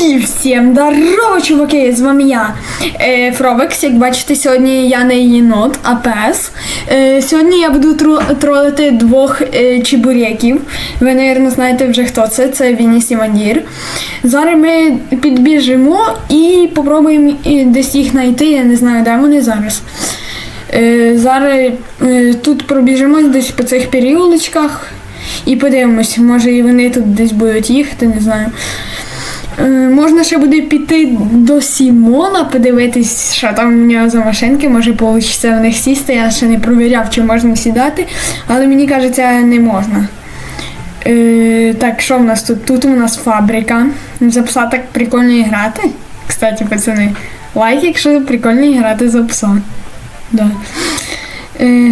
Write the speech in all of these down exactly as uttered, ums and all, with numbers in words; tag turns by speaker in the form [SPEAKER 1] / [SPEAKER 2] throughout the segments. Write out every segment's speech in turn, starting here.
[SPEAKER 1] І всім здорово, чуваки, з вами я, е, Фровекс. Як бачите, сьогодні я не єнот, а пес. Е, сьогодні я буду тру- тролити двох е, чебуреків. Ви, мабуть, знаєте вже хто це, це Вініс і Мандір. Зараз ми підбіжимо і попробуємо десь їх знайти, я не знаю, де вони зараз. Е, зараз е, тут пробіжимо десь по цих періодичках і подивимось, може і вони тут десь будуть їхати, не знаю. Можна ще буде піти до Сімона, подивитись, що там у нього за машинки, може вийде в них сісти, я ще не провіряв, чи можна сідати, але мені кажеться, не можна. Е, так, що в нас тут? Тут у нас фабрика. За пса так прикольно грати. Кстати, пацани, лайк, якщо прикольно грати за пса. Да. Е,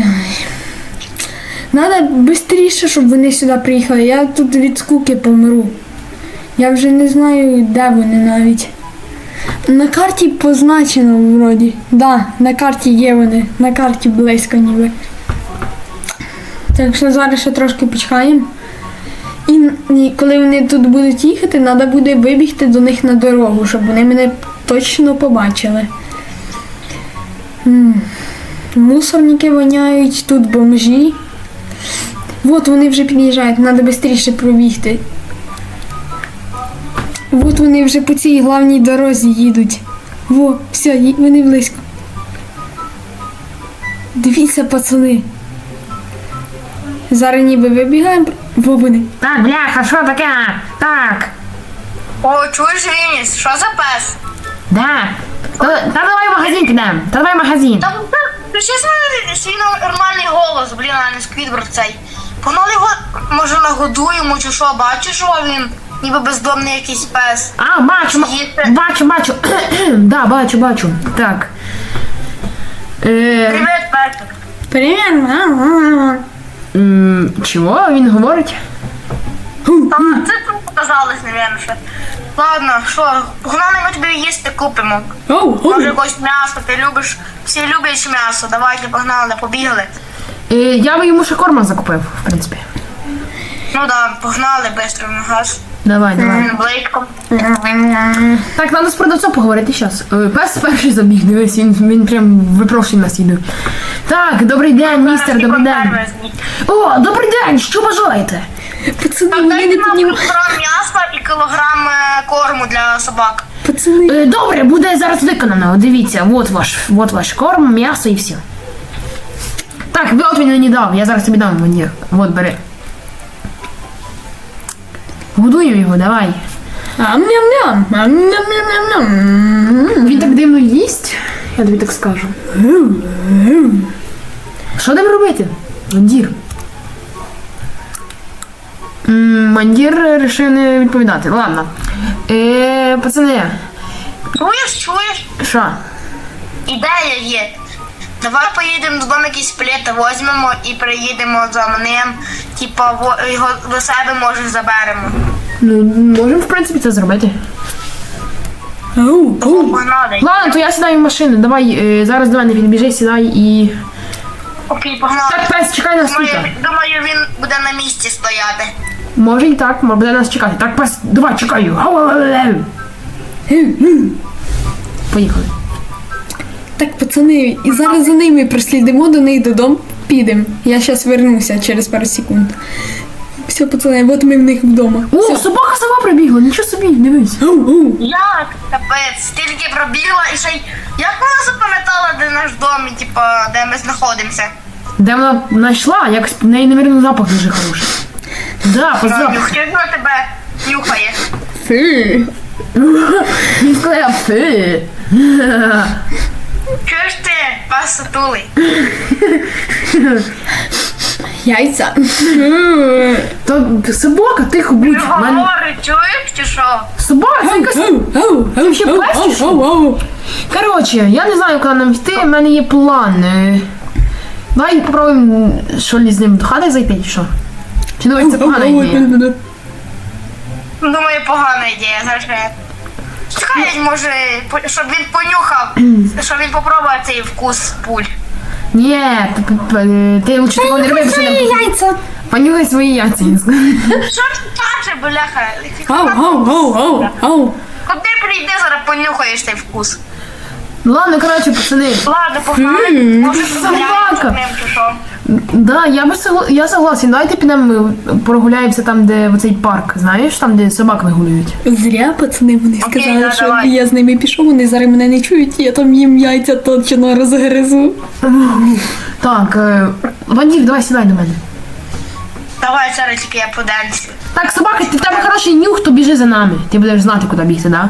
[SPEAKER 1] Надо швидше, щоб вони сюди приїхали, я тут від скуки помру. Я вже не знаю, де вони навіть. На карті позначено вроді. Да, на карті є вони. На карті близько ніби. Так що зараз ще трошки почекаємо. І, і коли вони тут будуть їхати, треба буде вибігти до них на дорогу, щоб вони мене точно побачили. М-м. Мусорники воняють, тут бомжі. От вони вже під'їжджають, треба швидше пробігти. От вони вже по цій главній дорозі їдуть. Во, все, ї- вони близько. Дивіться, пацани. Зараз ніби вибігаємо. Во вони.
[SPEAKER 2] Так, бляха, що таке? Так,
[SPEAKER 3] О, чуєш, Вініс, що за пес?
[SPEAKER 2] да. Та, та давай в магазин підемо. Та давай в магазин.
[SPEAKER 3] Та включи свій, свій нормальний голос, блін, а не Сквідвард цей. Погнали його, може, нагодуємо, чи що, бачиш, що він ніби бездомний якийсь пес.
[SPEAKER 2] А, бачу, м-
[SPEAKER 3] Їсти.
[SPEAKER 2] бачу, бачу. Да, бачу, бачу. Так. Е,
[SPEAKER 3] Привіт, песик.
[SPEAKER 1] Привіт.
[SPEAKER 2] м, чого він говорить?
[SPEAKER 3] Та це тут показалось, напевно, що. Ладно, що, погнали, ми тобі їсти купимо.
[SPEAKER 1] Оу, оу.
[SPEAKER 3] Може, якось м'ясо, ти любиш, всі люблять м'ясо, давайте, погнали, побігли.
[SPEAKER 2] Е, я би йому ще корма закупив, в принципі.
[SPEAKER 3] Ну да, погнали, швидко на газ.
[SPEAKER 2] Давай, давай.
[SPEAKER 3] Він блейком.
[SPEAKER 2] Так, треба з продавцом поговорити зараз. Пес перший забіг, дивись, він, він прям випрошує нас їду. Так, добрий день, містер, добрий день. О, добрий день, що бажаєте?
[SPEAKER 1] Пацани,
[SPEAKER 3] Так,
[SPEAKER 1] вони
[SPEAKER 3] дайте
[SPEAKER 1] не
[SPEAKER 3] нам
[SPEAKER 1] піднімають.
[SPEAKER 3] кілограм м'яса і кілограм е, корму для собак.
[SPEAKER 1] Пацани.
[SPEAKER 2] Е, добре, буде зараз виконано. Дивіться, от ваш, от ваш корм, м'ясо і все. Так, ви от він мені дав, я зараз тобі дам мені. От, бери. Годуємо його, давай.
[SPEAKER 1] Ам-ням-ням. Ам-ням-ням-ням.
[SPEAKER 2] Він так дивно їсть, я тобі так скажу. Що там робити? Мандір. М, Мандір вирішив не відповідати. Ладно. Е, пацани,
[SPEAKER 3] Чуєш, чуєш?
[SPEAKER 2] що?
[SPEAKER 3] Ідея є. Давай поїдемо додому якісь плети, візьмемо і приїдемо за ним. Типа во- його до себе може заберемо.
[SPEAKER 2] Ну, можемо, в принципі, це зробити.
[SPEAKER 1] Оу,
[SPEAKER 3] Того
[SPEAKER 1] оу.
[SPEAKER 3] погнали.
[SPEAKER 2] Ладно, то я сідаю в машину. Давай, е, зараз до мене підбіжи, сідай і...
[SPEAKER 3] Окей, погнали.
[SPEAKER 2] Так, пес, чекай нас тут.
[SPEAKER 3] Думаю, думаю, він буде на місці стояти.
[SPEAKER 2] Може і так, може буде нас чекати. Так, пес, давай, чекаю. Гау-гау-гау. Поїхали.
[SPEAKER 1] Так, пацани, і зараз за ними прослідимо до них додому, підемо. Я зараз вернуся через пару секунд. Все, пацани, от ми в них вдома.
[SPEAKER 2] О,
[SPEAKER 1] Все.
[SPEAKER 2] собака сама прибігла, нічого собі, дивись.
[SPEAKER 1] Оу, оу.
[SPEAKER 3] Як? Капець, стільки пробігла і ще й... Як вона запам'ятала, де наш дом і, типа, де ми знаходимося?
[SPEAKER 2] Де вона знайшла, якось в неї, навірно, запах дуже хороший. Да, по запаху.
[SPEAKER 3] Як вона тебе нюхає?
[SPEAKER 1] Фу.
[SPEAKER 2] Він сказав, фи.
[SPEAKER 3] Чуєш ти, пес сутулий?
[SPEAKER 1] Яйця.
[SPEAKER 2] То собака, тихо будь. В мене...
[SPEAKER 3] Говорить, чуєш чи що?
[SPEAKER 2] Собака, це якась...
[SPEAKER 1] Оу, оу, оу,
[SPEAKER 2] ще
[SPEAKER 1] оу,
[SPEAKER 2] пес чи що?
[SPEAKER 1] оу, оу.
[SPEAKER 2] Коротше, я не знаю, куди нам йти, в мене є план. Е, Давай попробуємо, що ли з ним до хати зайти, чи що? Чи думаєш, це погана
[SPEAKER 1] Оу, оу,
[SPEAKER 2] ідея?
[SPEAKER 1] оу, оу.
[SPEAKER 3] Думаю, погана ідея, зараз я... Чекай, може, по- щоб він понюхав, щоб він попробував цей вкус пуль.
[SPEAKER 2] Ні, п- п- п- ти лучше такого не роби, бо що
[SPEAKER 1] Свої
[SPEAKER 2] не...
[SPEAKER 1] яйця.
[SPEAKER 2] Понюхай свої яйця.
[SPEAKER 3] Що ж ти каже, бляха?
[SPEAKER 1] Оу, оу, оу, оу, оу.
[SPEAKER 3] От ти прийди, зараз понюхаєш цей вкус.
[SPEAKER 2] Ну ладно, коротше, пацани.
[SPEAKER 3] Ладно, погнали. Може, прогуляємося з ним чи що?
[SPEAKER 2] Да, я би согла... я согласен. Давайте підемо прогуляємося там, де оцей парк, знаєш, там, де собак вигулюють.
[SPEAKER 1] Зря пацани вони
[SPEAKER 3] Окей,
[SPEAKER 1] сказали,
[SPEAKER 3] да,
[SPEAKER 1] що
[SPEAKER 3] давай.
[SPEAKER 1] я з ними пішов, вони зараз мене не чують, я там їм яйця точно розгризу.
[SPEAKER 2] Так, е... Вандір, давай сідай до мене.
[SPEAKER 3] Давай зараз тільки я поденсю.
[SPEAKER 2] Так, собака, ти в тебе хороший нюх, то біжи за нами. Ти будеш знати, куди бігти, да?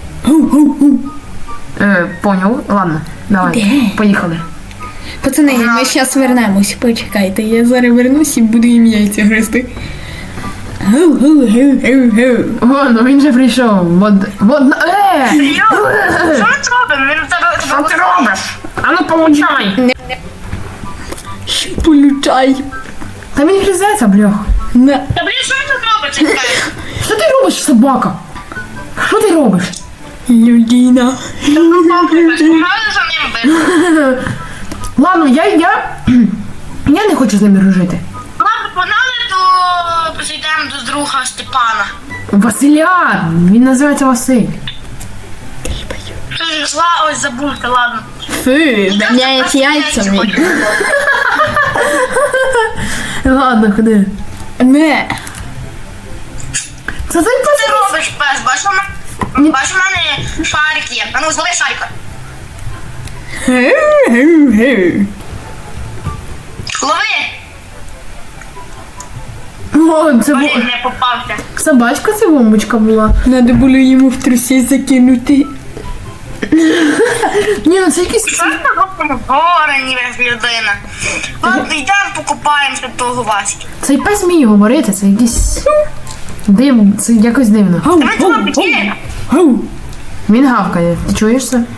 [SPEAKER 2] Е, поняв. Ладно, давай,
[SPEAKER 1] Де?
[SPEAKER 2] поїхали.
[SPEAKER 1] Пацани, ми зараз вернемось, почекайте, я зараз вернусь і буду їм яйця гризти. Гу-гу-гу-гу-гу.
[SPEAKER 2] О, ну він же прийшов. Вот, вот, е!
[SPEAKER 3] Йо, що ми це робимо? Він у тебе...
[SPEAKER 2] Що ти робиш? А ну получай!
[SPEAKER 1] Що получай?
[SPEAKER 2] Та він гризеться, блях.
[SPEAKER 1] На.
[SPEAKER 3] Та блін, що він тут робить? Чекай.
[SPEAKER 2] Що ти робиш, собака? Що ти робиш?
[SPEAKER 1] Людина.
[SPEAKER 3] Погнали за ним бити.
[SPEAKER 2] Ладно, я, я, я не хочу з ними дружити.
[SPEAKER 3] Ладно, погнали, то зайдемо до друга Степана.
[SPEAKER 2] Василя, він називається Василь.
[SPEAKER 3] Ти ж зла, ось забудьте, ладно.
[SPEAKER 1] Фу, ганяють яйцями.
[SPEAKER 2] Ладно, ходи.
[SPEAKER 1] Не.
[SPEAKER 2] Це цей
[SPEAKER 3] Що
[SPEAKER 2] пес.
[SPEAKER 3] ти робиш, пес? Бачиш, у мене, бачиш, у мене шарик є. А ну, злови шарика.
[SPEAKER 1] Гу-гу-гу.
[SPEAKER 3] Лови!
[SPEAKER 2] О, це бу...
[SPEAKER 3] Блін, не попався.
[SPEAKER 2] собачка, це бомбочка була.
[SPEAKER 1] Надо було йому в трусі закинути.
[SPEAKER 2] Ні, ну це якийсь...
[SPEAKER 3] Що ж ти робимо? Горе, ніби людина. Ладно, йдемо покупаємося того Васьки.
[SPEAKER 2] Цей пес вміє говорити, це якийсь... Див... Це якось дивно.
[SPEAKER 1] Гау,
[SPEAKER 3] Давай
[SPEAKER 1] гау,
[SPEAKER 3] туди підійдемо.
[SPEAKER 1] гау.
[SPEAKER 2] Він гавкає. Ти чуєш це?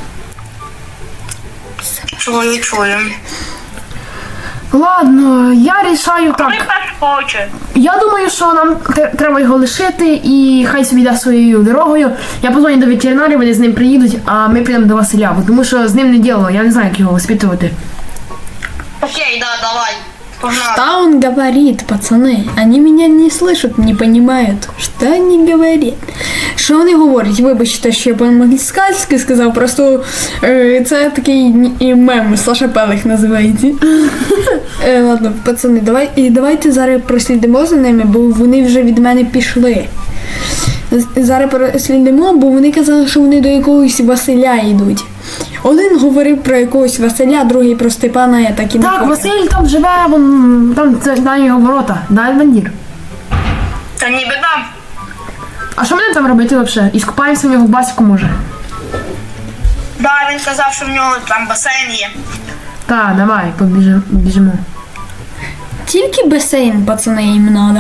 [SPEAKER 3] Чую, чую.
[SPEAKER 2] Ладно, я рішаю
[SPEAKER 3] Той
[SPEAKER 2] так.
[SPEAKER 3] пес хоче.
[SPEAKER 2] Я думаю, що нам те- треба його лишити і хай собі йде своєю дорогою. Я позвоню до ветеринарів, вони з ним приїдуть, а ми підемо до Василя, бо тому що з ним не діло, я не знаю, як його воспитувати.
[SPEAKER 3] Окей, да, давай. Погнали.
[SPEAKER 1] Что он говорит, пацаны? Они меня не слышат, не понимают, что они говорят. Що вони говорять? Вибачте, що я по-англійськи сказав, просто е, це такий ні- мем, Саша Пелих називається. Е, ладно, пацани, давай, і давайте зараз прослідимо за ними, бо вони вже від мене пішли. З- Зараз прослідимо, бо вони казали, що вони до якогось Василя йдуть. Один говорив про якогось Василя, другий про Степана, я так і не
[SPEAKER 2] Так,
[SPEAKER 1] поняла.
[SPEAKER 2] Василь там живе, вон, там це на його ворота, да, Вандір?
[SPEAKER 3] Та ніби там.
[SPEAKER 2] А що мені там робити взагалі? І скупаємося в його басіку, може?
[SPEAKER 3] Да, він казав, що в нього там басейн є.
[SPEAKER 2] Так, давай, побіжимо. Біжимо.
[SPEAKER 1] Тільки басейн, пацани, їм надо.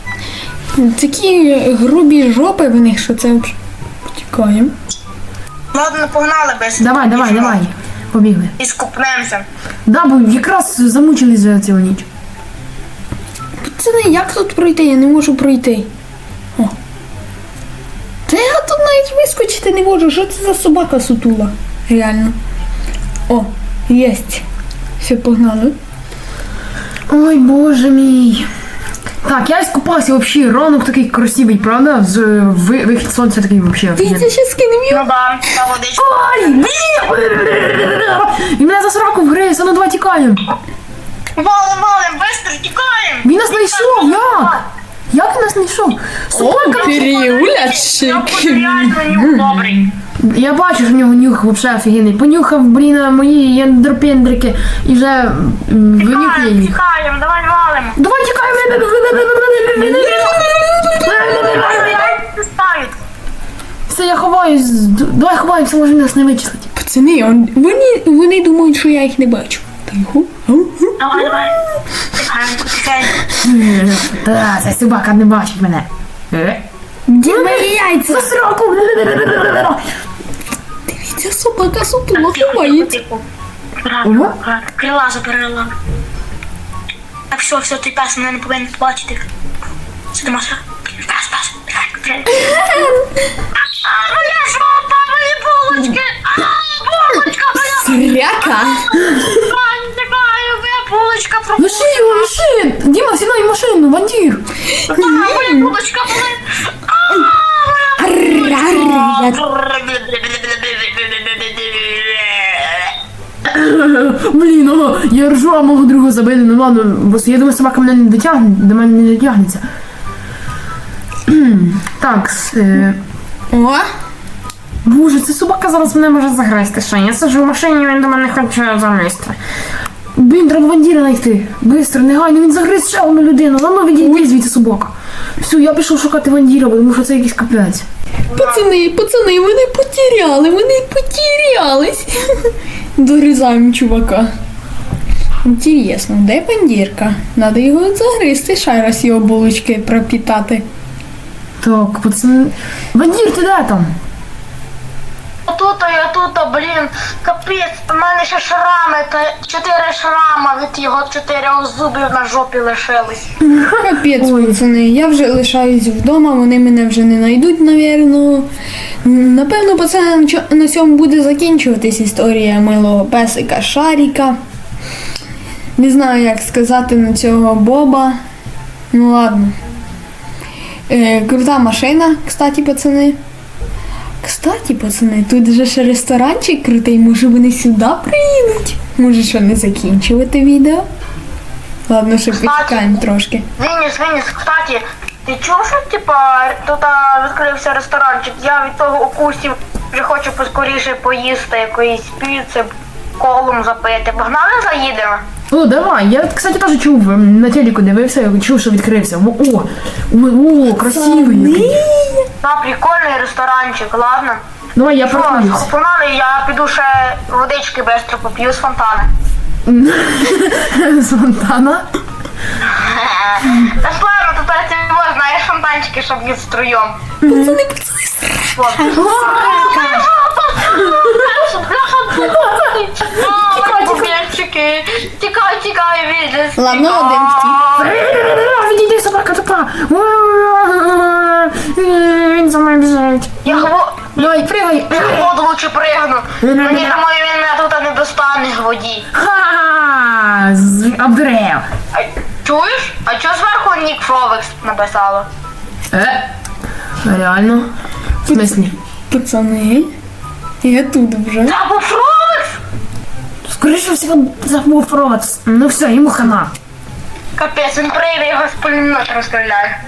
[SPEAKER 1] Такі грубі жопи в них, що це взагалі. Потікаємо.
[SPEAKER 3] Ладно, погнали без.
[SPEAKER 2] Давай, давай, давай. Побігли.
[SPEAKER 3] І скупнемося.
[SPEAKER 2] Да, бо якраз замучились за цілу ніч.
[SPEAKER 1] Пацани, як тут пройти? Я не можу пройти. О. Та я тут навіть вискочити не можу. Що це за собака сутула? Реально. О, єсть. Все, погнали.
[SPEAKER 2] Ой, боже мій. Так, я скупався взагалі, ранок такий красивий, правда? З ви- вихід сонця такий взагалі.
[SPEAKER 1] Дивіться, ще скинем
[SPEAKER 3] Ну
[SPEAKER 1] його.
[SPEAKER 3] да, та водичка.
[SPEAKER 2] Ой, блін! Він мене за сраку вгриз, а ну давай тікаємо.
[SPEAKER 3] Валим, валим, быстро тікаємо.
[SPEAKER 2] Він нас знайшов, як? Як він нас знайшов? Собака!
[SPEAKER 1] Переулячик.
[SPEAKER 3] Реально нюх добрий.
[SPEAKER 2] Я бачу, що в нього нюх взагалі офігенний. Понюхав, блін, мої єндропендрики і вже м, винюхує
[SPEAKER 3] Тікаємо,
[SPEAKER 2] їх.
[SPEAKER 3] тікаємо, давай валимо.
[SPEAKER 2] Давай тікаємо!
[SPEAKER 3] Яйця стають.
[SPEAKER 2] Все, я ховаюсь. Д- Давай ховаємося, може нас не вичислить.
[SPEAKER 1] Пацани, он, вони, вони думають, що я їх не бачу. Тихо.
[SPEAKER 3] Давай, давай. Тихенько, тихенько.
[SPEAKER 2] Та, ця собака не бачить мене. Е?
[SPEAKER 1] Де мої яйця?
[SPEAKER 2] За сраку!
[SPEAKER 1] Дивіться, собака сутула ховається.
[SPEAKER 3] Тихо. Аккуратно, аккуратно. Крила заберела. Так, все, все, ти пес мене не повинен побачити. Сидимо, все. Пес, пес, тихенько, тихенько. А, моя жопа, мої булочки. А, булочка моя.
[SPEAKER 1] Зряка.
[SPEAKER 3] А, не знаю, моя булочка пропала.
[SPEAKER 2] Лиши його, лиши! Діма, сідай в машину, Вандір!
[SPEAKER 3] А, моя булочка болить. А, моя булочка.
[SPEAKER 2] Я ржу, а мого друга забили, ну ладно, бо я думаю, собака мене не дотягне, до мене не дотягнеться. Так, с, е...
[SPEAKER 1] О,
[SPEAKER 2] Боже, ця собака зараз мене може загризти ще. Я сиджу в машині, він до мене хоче залізти. Блін, треба вандіра знайти. Бистро, негайно, він загриз ще одну людину. Ладно, відійди звідси собака. Все, я пішов шукати вандіра, бо тому що це якийсь капець.
[SPEAKER 1] пацани, пацани, вони потеряли, вони потерялись. Дорізаємо чувака. Інтересно, де бандірка? Надо його загризти, ще раз його булочки пропітати.
[SPEAKER 2] Так, пацан... Вандір, ти де там?
[SPEAKER 3] Тут, я тут, блін, капець, у мене ще шрами, та чотири шрама від його чотирьох зубів на жопі лишились.
[SPEAKER 1] Капець, пацани, я вже лишаюсь вдома, вони мене вже не знайдуть, навірно. Напевно, пацани, на чо- на цьому буде закінчуватись історія милого песика Шаріка. Не знаю, як сказати на цього Боба. Ну ладно. Е, крута машина, кстати, пацани. Кстати, пацани, тут же ще ресторанчик крутий, може вони сюди приїдуть? Може, що не закінчувати відео? Ладно, ще почекаємо трошки.
[SPEAKER 3] Вініс, Вініс, кстати, ти чув, що типа тут а, відкрився ресторанчик? Я від того укусів вже хочу поскоріше поїсти якоїсь піци, колом запити. Погнали заїдемо?
[SPEAKER 2] О, давай, я, кстати, теж чув, ем, на телеку дивився, я чув, що відкрився. О, о, о, о, красивий який.
[SPEAKER 3] На прикольний ресторанчик, ладно?
[SPEAKER 2] Давай, я
[SPEAKER 3] Що,
[SPEAKER 2] паркуюсь.
[SPEAKER 3] погнали, я піду ще водички бистро поп'ю з фонтана.
[SPEAKER 2] З фонтана.
[SPEAKER 3] Та ж ладно, тут ти можна, знаєш фонтанчики, щоб їх струєм.
[SPEAKER 1] Пацани, пацани, сра-
[SPEAKER 3] Тікай, тікай, тікай, Вініс.
[SPEAKER 1] Ладно,
[SPEAKER 3] тікай.
[SPEAKER 1] один втік.
[SPEAKER 2] Відійди, собака тупа. Він за мною біжить.
[SPEAKER 3] Я гво...
[SPEAKER 2] Давай, пригай.
[SPEAKER 3] В воду лучше пригну. Мені думаю, він мене тут не достане в воді.
[SPEAKER 2] Ха! З обдерев.
[SPEAKER 3] А, чуєш? А чого зверху Нік Фровекс написало?
[SPEAKER 2] Е? Реально? В смислі?
[SPEAKER 1] Пацани, я тут вже.
[SPEAKER 3] Це був Фровекс?
[SPEAKER 2] Скоріше всього забув провод. Ну все, йому хана.
[SPEAKER 3] Капець, він прийде, його з пулемета розстріляє.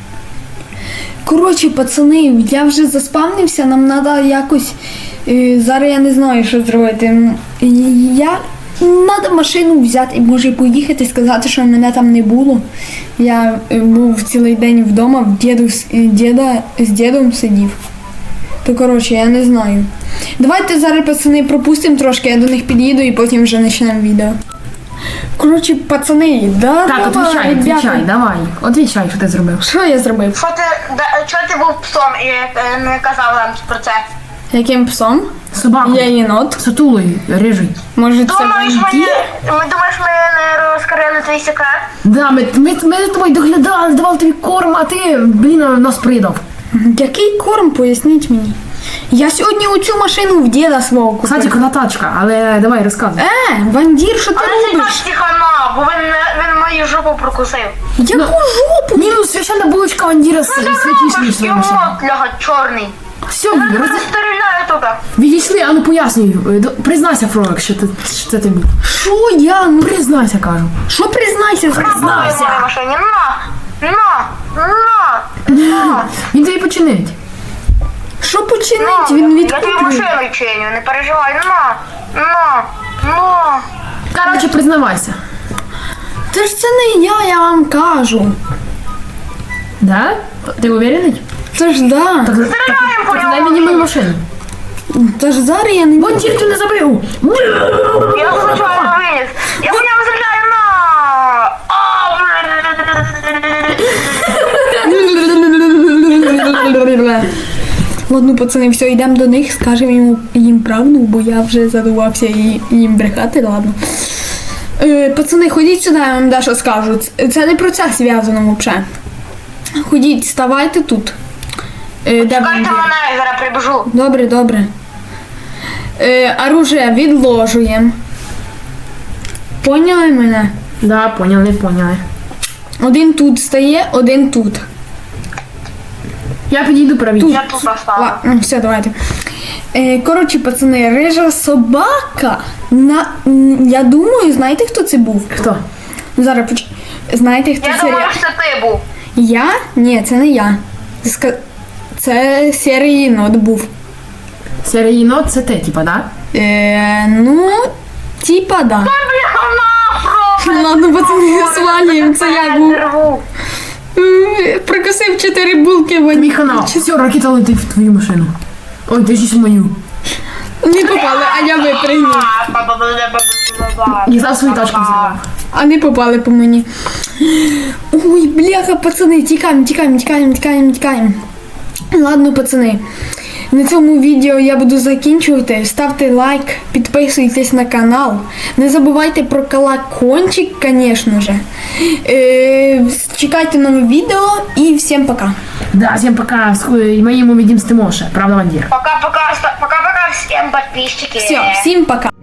[SPEAKER 1] Коротше, пацани, я вже заспавнився, нам треба якось. е, Зараз я не знаю, що зробити. М, Я. Треба машину взяти і може поїхати, сказати, що мене там не було. Я е, був цілий день вдома, в діду, з- е, діда, з дідом сидів. То коротше, я не знаю. Давайте зараз, пацани, пропустимо трошки, я до них під'їду і потім вже почнемо відео. Коротше, пацани, да,
[SPEAKER 2] Так,
[SPEAKER 1] давай,
[SPEAKER 2] отвічай,
[SPEAKER 1] ребята.
[SPEAKER 2] отвічай, давай. Отвічай, що ти зробив.
[SPEAKER 1] Що я зробив?
[SPEAKER 3] Що ти, да, чого ти був псом і е, не казав нам про це?
[SPEAKER 1] Яким псом?
[SPEAKER 2] Собаку.
[SPEAKER 1] Я єнот.
[SPEAKER 2] Сутулий, рижий.
[SPEAKER 1] Може, це
[SPEAKER 3] Думаєш,
[SPEAKER 1] вампір?
[SPEAKER 3] мені, ми думаєш, ми не розкрили твій секрет?
[SPEAKER 2] Да, ми, ми, ми за тобою доглядали, давали тобі корм, а ти, блін, нас придав.
[SPEAKER 1] Який корм, поясніть мені? Я сьогодні оцю машину в діда свого купив.
[SPEAKER 2] Кстати, крута тачка, але давай розказуй.
[SPEAKER 1] Е, Вандір, що ти
[SPEAKER 3] Але це
[SPEAKER 1] робиш?
[SPEAKER 3] так хана, бо він, не- він мою жопу прокусив.
[SPEAKER 1] Яку жопу?
[SPEAKER 2] Ні, ну священна булочка Вандіра святіша, ніж твоя машина.
[SPEAKER 3] Йому, бляга, чорний.
[SPEAKER 2] Все,
[SPEAKER 3] Я
[SPEAKER 2] роз...
[SPEAKER 3] розстріляю туди.
[SPEAKER 2] відійшли, а ну пояснюй. Е, до- Признайся, Фролик, що, ти, що це ти був.
[SPEAKER 1] Що я? Ну,
[SPEAKER 2] Признайся, кажу.
[SPEAKER 1] що признайся?
[SPEAKER 2] Признайся.
[SPEAKER 3] На машині, на, на, на, на.
[SPEAKER 2] Він тобі починить.
[SPEAKER 1] Що починить?
[SPEAKER 3] на.
[SPEAKER 1] Він
[SPEAKER 3] Я тобі
[SPEAKER 1] відкупив.
[SPEAKER 3] машину чиню, не переживай, на, на, на.
[SPEAKER 2] Короче, признавайся.
[SPEAKER 1] Це ж це не я, я вам кажу.
[SPEAKER 2] Да? Ти уверений?
[SPEAKER 1] Це ж да.
[SPEAKER 2] Так,
[SPEAKER 3] Стріляємо по
[SPEAKER 2] так, дай
[SPEAKER 3] ньому.
[SPEAKER 2] мені мою машину.
[SPEAKER 1] Це ж зараз я не...
[SPEAKER 2] Вандір, ти не забив!
[SPEAKER 3] Я случайно виніс. Я по ньому стріляю, на. А,
[SPEAKER 1] Ладно, пацани, все, йдемо до них, скажемо їм, їм правду, бо я вже задувався і, їм брехати, ладно. Е, пацани, ходіть сюди, я вам дещо скажу. Це- Це не про це зв'язано взагалі. Ходіть, ставайте тут. Е, де
[SPEAKER 3] Чекайте
[SPEAKER 1] Вандір?
[SPEAKER 3] мене, я зараз прибіжу.
[SPEAKER 1] Добре, добре. Е, оружие відложуємо. Поняли мене?
[SPEAKER 2] Да, поняли, поняли.
[SPEAKER 1] Один тут стає, один тут.
[SPEAKER 2] Я підійду правіше.
[SPEAKER 3] Я тут поставлю.
[SPEAKER 1] Ладно, все, давайте. Е, коротше, пацани, рижа собака. На, м, я думаю, знаєте, хто це був?
[SPEAKER 2] Хто?
[SPEAKER 1] Зараз поч... Знаєте, хто
[SPEAKER 3] Я
[SPEAKER 1] це?
[SPEAKER 3] думаю,
[SPEAKER 1] ре-
[SPEAKER 3] що це ти був.
[SPEAKER 1] Я? Ні, це не я. Це, ска... це серій єнот був.
[SPEAKER 2] Серій єнот це ти, типа, да?
[SPEAKER 1] Е, ну, типа, да.
[SPEAKER 3] Бляха нахуй!
[SPEAKER 1] Ладно, пацани, свалюємо, це я був.
[SPEAKER 3] Рву.
[SPEAKER 1] М, Прикусив чотири булки в
[SPEAKER 2] Мій канал. Все, ракета летить в твою машину. Ой, ти ж в мою.
[SPEAKER 1] Не попали, а я випригнув.
[SPEAKER 2] Я зараз свою тачку взяла.
[SPEAKER 1] А не попали по мені. Ой, бляха, пацани, тікаємо, тікаємо, тікаємо, тікаємо, тікаємо. Ладно, пацани. На цьому відео я буду закінчувати. Ставте лайк, підписуйтесь на канал. Не забувайте про колокольчик, звісно же. Е, чекайте нове відео і всім пока.
[SPEAKER 2] Да, всем пока. С- И мы ему видим с Тимоша. Правда, Вандир?
[SPEAKER 3] Пока-пока, пока-пока всем подписчики.
[SPEAKER 1] Все, всім пока.